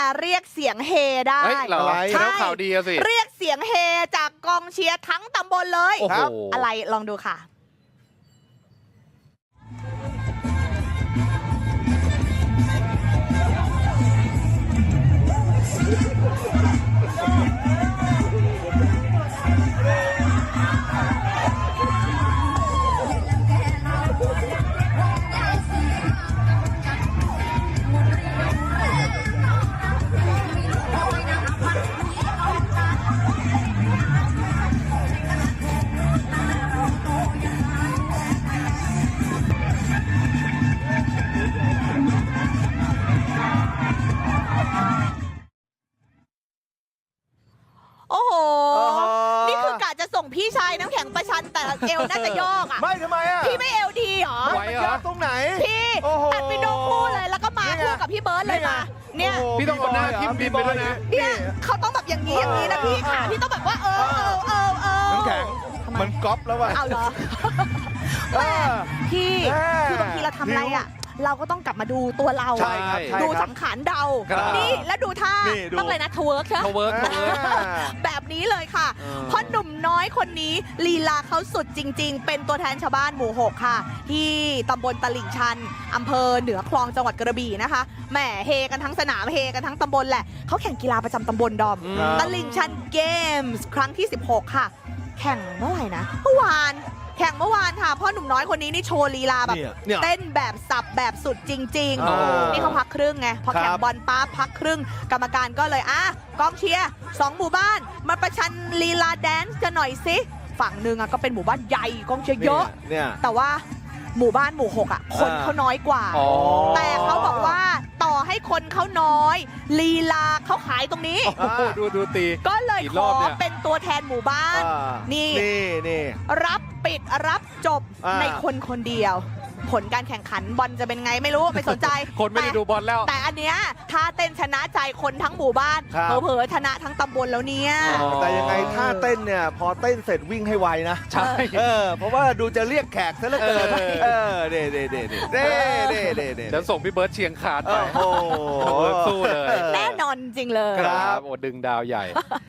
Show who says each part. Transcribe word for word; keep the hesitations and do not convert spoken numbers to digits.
Speaker 1: เรียกเสียงเฮได้
Speaker 2: เฮ้ยเหรอ
Speaker 1: ใช่
Speaker 2: แล้วข่าวดีอะสิ
Speaker 1: เรียกเสียงเฮจากกองเชียร์ทั้งตำบลเลย
Speaker 2: โอ้โห
Speaker 1: อะไรลองดูค่ะ โอ้โห นี่คือกะจะส่งพี่ชายน้ำแข็งประชันแต่เอวน่าจะยอกอ่ะ
Speaker 3: ไม่ทำไมอ่ะ
Speaker 1: พี่ไม่เอวดีเหรอ
Speaker 2: ไหว
Speaker 3: ไม่
Speaker 2: เหรอ
Speaker 3: ยากตรงไหน
Speaker 1: พี่
Speaker 3: โอ้โห
Speaker 1: ตัดวิดีโอคู่เลยแล้วก็มา
Speaker 3: นี่ไง
Speaker 1: คู่กับพี่เบิร์ดเลยมา เนี่ย
Speaker 3: โโห
Speaker 2: พี่ต้องเอาหน้าทิ่มดินไปด้วยนะ
Speaker 1: เนี่ยเขาต้องแบบอย่างนี้อย่างนี้นะพี่ค่ะพี่ต้องแบบว่าเออเออเออเออ
Speaker 3: น้ำแข็ง
Speaker 1: ทำไม
Speaker 3: มันก๊อปแล้วว่ะ
Speaker 1: เอาเหรอ
Speaker 3: เออ
Speaker 1: พี่
Speaker 3: แม่
Speaker 1: คือบางทีเราทำอะไรอ่ะ เราก็ต้องกลับมาดูตัวเรา
Speaker 3: ใช่ครับใช่
Speaker 1: ดู
Speaker 3: ครับ
Speaker 1: สังขารเดา
Speaker 2: ครับ
Speaker 1: นี่แล้วดูท่า
Speaker 3: นี่ดู
Speaker 1: ต้องเลยนะทเวิร์กใช่ไหม
Speaker 2: เขาเวิร์กเขาเวิร์ก
Speaker 1: แบบนี้เลยค่ะ
Speaker 2: เออ
Speaker 1: เพราะหนุ่มน้อยคนนี้ลีลาเขาสุดจริง ๆ เป็นตัวแทนชาวบ้านหมู่หกค่ะ ที่ตำบลตลิ่งชันอำเภอเหนือคลองจังหวัดกระบี่นะคะแหมเฮกันทั้งสนามเฮกันทั้งตำบลแหละเขาแข่งกีฬาประจำตำบลดอม
Speaker 2: อืม
Speaker 1: ตลิ่งชันเกมส์ครั้งที่สิบหกค่ะ แข่งเมื่อไหร่นะเมื่อวานแข่งเมื่อวานค่ะพ่อหนุ่มน้อยคนนี้นี่โชว์ลีลาแบบ
Speaker 3: เนี่ยเนี่ย
Speaker 1: เต้นแบบสับแบบสุดจริง
Speaker 3: อ๋อ
Speaker 1: ๆ นี่เขาพักครึ่งไง พอแข่ง
Speaker 3: ครับ
Speaker 1: บอลปั๊บพักครึ่ง กรรมการก็เลยอ่ะกองเชียร์สองหมู่บ้าน มาประชันลีลาแดนซ์กันหน่อยสิ ฝั่งหนึ่งอ่ะก็เป็นหมู่บ้านใหญ่กองเชียร์เยอะ
Speaker 3: เนี่ย
Speaker 1: แต่ว่าหมู่บ้านหมู่หกอ่ะ คน
Speaker 3: อ่า
Speaker 1: เขาน้อยกว่า
Speaker 2: อ๋อ
Speaker 1: แต่เขาบอกว่าต่อให้คนเขาน้อย ลีลาเขาขายตรงนี้
Speaker 2: โอ้โหดูดูตี
Speaker 1: ก็เลย
Speaker 2: กี่
Speaker 1: ข
Speaker 2: รอ
Speaker 1: อบ
Speaker 2: เนี่ย
Speaker 1: เป็นตัวแทนหมู่บ้าน
Speaker 3: อ่า
Speaker 1: นี่
Speaker 3: นี่นี่
Speaker 1: รับปิดรับจบ
Speaker 3: อ่า
Speaker 1: ในคนคนเดียว ผลการแข่งขันบอลจะเป็นไงไม่รู้ไม่สนใจ
Speaker 2: คนไม่ได้
Speaker 1: แต่
Speaker 2: ดูบอลแล้ว
Speaker 1: แต่อันเนี้ยถ้าเต้นชนะใจคนทั้งหมู่บ้าน
Speaker 3: ครับ
Speaker 1: เผลอๆชนะทั้งตำบลแล้วเนี่ย
Speaker 2: อ๋อ
Speaker 3: แต่ยังไงท่าเต้นเนี่ย พอเต้นเสร็จวิ่งให้ไวนะ
Speaker 2: ใช่
Speaker 3: เออ เพราะว่าดูจะเรียกแขกซะเหลือเกิน
Speaker 2: เออ
Speaker 3: เออเด้เด้เด้เด้เด้เด้เด้เด้
Speaker 2: เดี๋ยวส่งพี่เบิร์ดเชียงคานไป
Speaker 3: โอ้โห
Speaker 2: เบิร์ดสู้เลย
Speaker 1: แน่นอนจริงเลย
Speaker 3: ครับ
Speaker 2: โอ้ดึงดาวใหญ่